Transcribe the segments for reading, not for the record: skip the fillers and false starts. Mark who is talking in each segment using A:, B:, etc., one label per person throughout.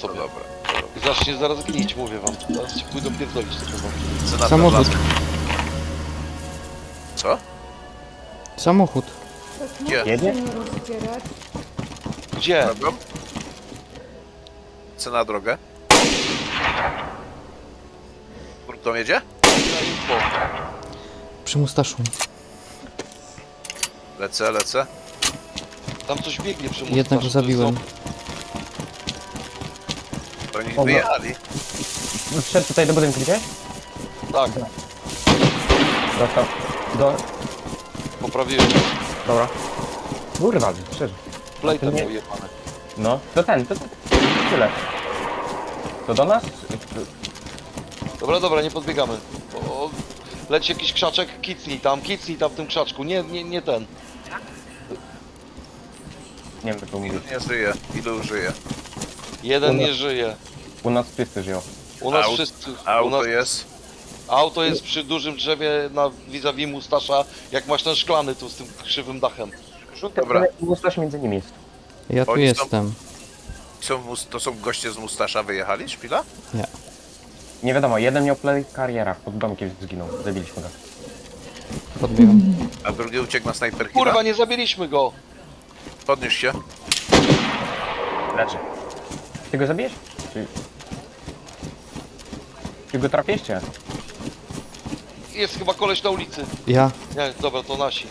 A: sobie.
B: Dobra.
A: I zacznie zaraz gnić, mówię wam. Zaraz ci pójdą pierdolić te chyba.
B: Cena
C: Samochód.
B: dla- Co?
C: Samochód.
B: Gdzie?
D: Jedzie?
A: Gdzie?
B: Drogą? Cena na drogę? Kto jedzie?
A: Na info.
C: Przy Mustaszu.
B: Lecę.
A: Tam coś biegnie przy mózgu.
C: Jednego zabiłem.
B: To oni
E: Dobra.
B: wyjechali.
E: Wszedł tutaj do budynku, gdzieś?
A: Tak,
E: Dostał.
A: poprawiłem.
E: Dobra. Kurwa, szczerze.
A: Plejta
E: Nie.
A: miał jebane.
E: No, to ten. Tyle. To do nas?
A: Dobra, nie podbiegamy. O, leci jakiś krzaczek, kicnij tam w tym krzaczku. Nie ten.
E: Nie wiem, co mówić.
B: Nie żyje. Ilu żyje?
A: Jeden nie żyje.
E: U nas wszyscy żyją.
A: U nas
B: Aut-
A: wszyscy. U
B: Auto
A: nas
B: jest.
A: Auto jest przy dużym drzewie na vis-a-vis Mustasza, jak masz ten szklany tu z tym krzywym dachem.
B: Dobra.
E: Mustasz między nimi jest.
C: Ja tu
B: Oni są-
C: jestem.
B: To są goście z Mustasza wyjechali? Szpila?
C: Nie.
E: Nie wiadomo, jeden miał play kariera, pod domkiem zginął. Zabiliśmy go.
C: Podbiegam.
B: A drugi uciekł na snajperki.
A: Kurwa, nie zabiliśmy go!
B: Podnieś się.
E: Leży. Ty go zabijesz? Ty go trafisz, czy?
A: Jest chyba koleś na ulicy.
C: Ja.
A: Nie, dobra, to nasi.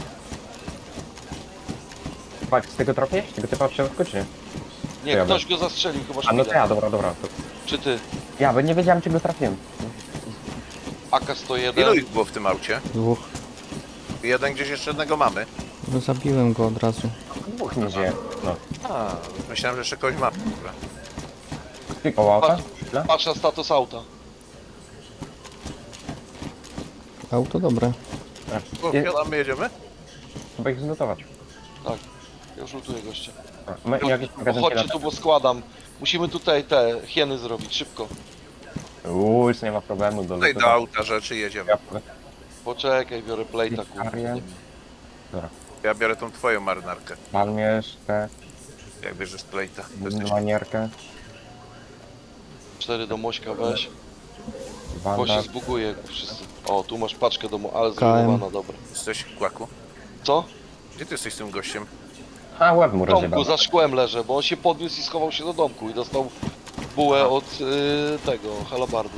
E: Patrz, z tego trafisz? Tego typa w środku, czy nie?
A: Nie,
E: Ja
A: ktoś go zastrzelił chyba
E: A no to
A: szpilę.
E: ja, dobra. To...
A: Czy ty?
E: Ja, bo nie wiedziałem, czy go trafiłem.
B: Ilu
A: AK-101.
B: ich było w tym aucie?
C: Dwóch.
B: Jeden gdzieś jeszcze jednego mamy.
C: No zabiłem go od razu.
E: Dwóch nie żyje. No.
B: A, myślałem, że jeszcze kogoś mamy. Dobra.
E: Ty koło auta?
A: Patrz.
E: Chwilę.
A: Patrz na status auta.
C: Auto dobre.
B: My jedziemy?
E: Trzeba ich zlutować.
A: Tak. Ja już lutuję gościa.
E: My jakieś magazynki
A: Chodźcie tu, bo składam. Musimy tutaj te hieny zrobić, szybko.
E: Już nie ma problemu do
B: Tutaj do auta rzeczy jedziemy.
A: Poczekaj, biorę plejta, kurwa.
E: Ariel.
B: Ja biorę tą twoją marynarkę.
E: Palmierzkę,
B: Jak bierzesz plejta. To jesteś...
E: manierkę,
A: 4 do Mośka weź. Bo się
E: bandaż.
A: zbuguje wszyscy. O, tu masz paczkę ale
C: KM.
A: zrujnowana, dobra.
B: Jesteś kłaku?
A: Co?
B: Gdzie ty jesteś z tym gościem?
E: A, łeb mu
A: W domku
E: rozjebał.
A: za szkłem leżę, bo on się podniósł i schował się do domku i dostał bułę od tego, halabardy.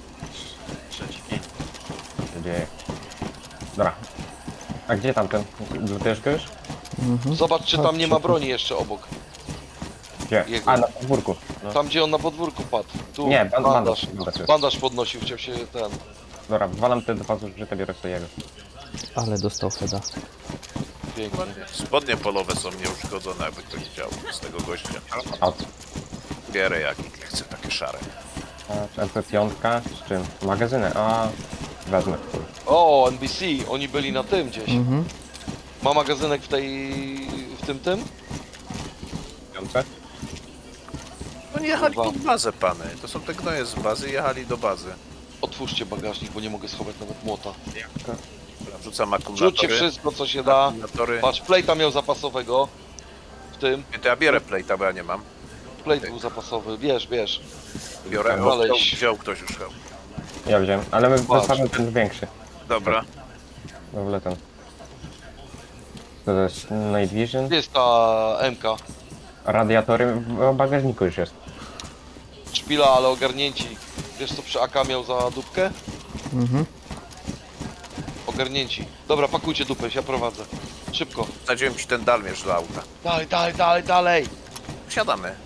E: Co się dzieje? Dobra. A gdzie tamten? Lutujesz go już?
C: Mhm.
A: Zobacz, czy tam nie ma broni jeszcze obok.
E: Gdzie?
A: Jego.
E: A, na podwórku. No.
A: Tam, gdzie on na podwórku padł. Tu
E: Nie, bandaż.
A: bandaż. Bandaż podnosił, chciał się ten...
E: Dobra, walam te dwa zużyte, biorę sobie jego.
C: Ale dostał Feda.
A: Pięknie.
B: Spodnie polowe są nieuszkodzone, jakby ktoś chciał z tego gościa.
E: A,
B: Bierę jak chcę takie szare.
E: MP5 z czym? Magazyny, a wezmę.
A: O, NBC, oni byli na tym gdzieś.
C: Mhm.
A: Ma magazynek w tym?
E: Piące?
B: No nie jechali
A: Kurwa.
B: pod bazę, pany. To są te gnoje z bazy, jechali do bazy.
A: Otwórzcie bagażnik, bo nie mogę schować nawet młota.
B: Wrzucam akumulatory.
A: Rzućcie wszystko, co się da.
B: Akumulatory.
A: Patrz, plejta miał zapasowego. W tym.
B: To ja bierę plejta, bo ja nie mam.
A: Plejt był zapasowy, bierz.
B: Biorę,
A: Ale
B: o, wziął ktoś już chyba.
E: Ja wziąłem, ale my
A: Patrz.
E: wysłamy ten większy.
B: Dobra.
E: W ogóle ten. To jest Night Vision.
A: Gdzie jest ta MK?
E: Radiatory w bagażniku już jest.
A: Szpila, ale ogarnięci. Wiesz co przy AK miał za dupkę?
C: Mhm.
A: Ogarnięci. Dobra, pakujcie dupę, ja prowadzę. Szybko.
B: Wsadziłem ci ten dalmierz do auta.
A: Dalej.
B: Wsiadamy.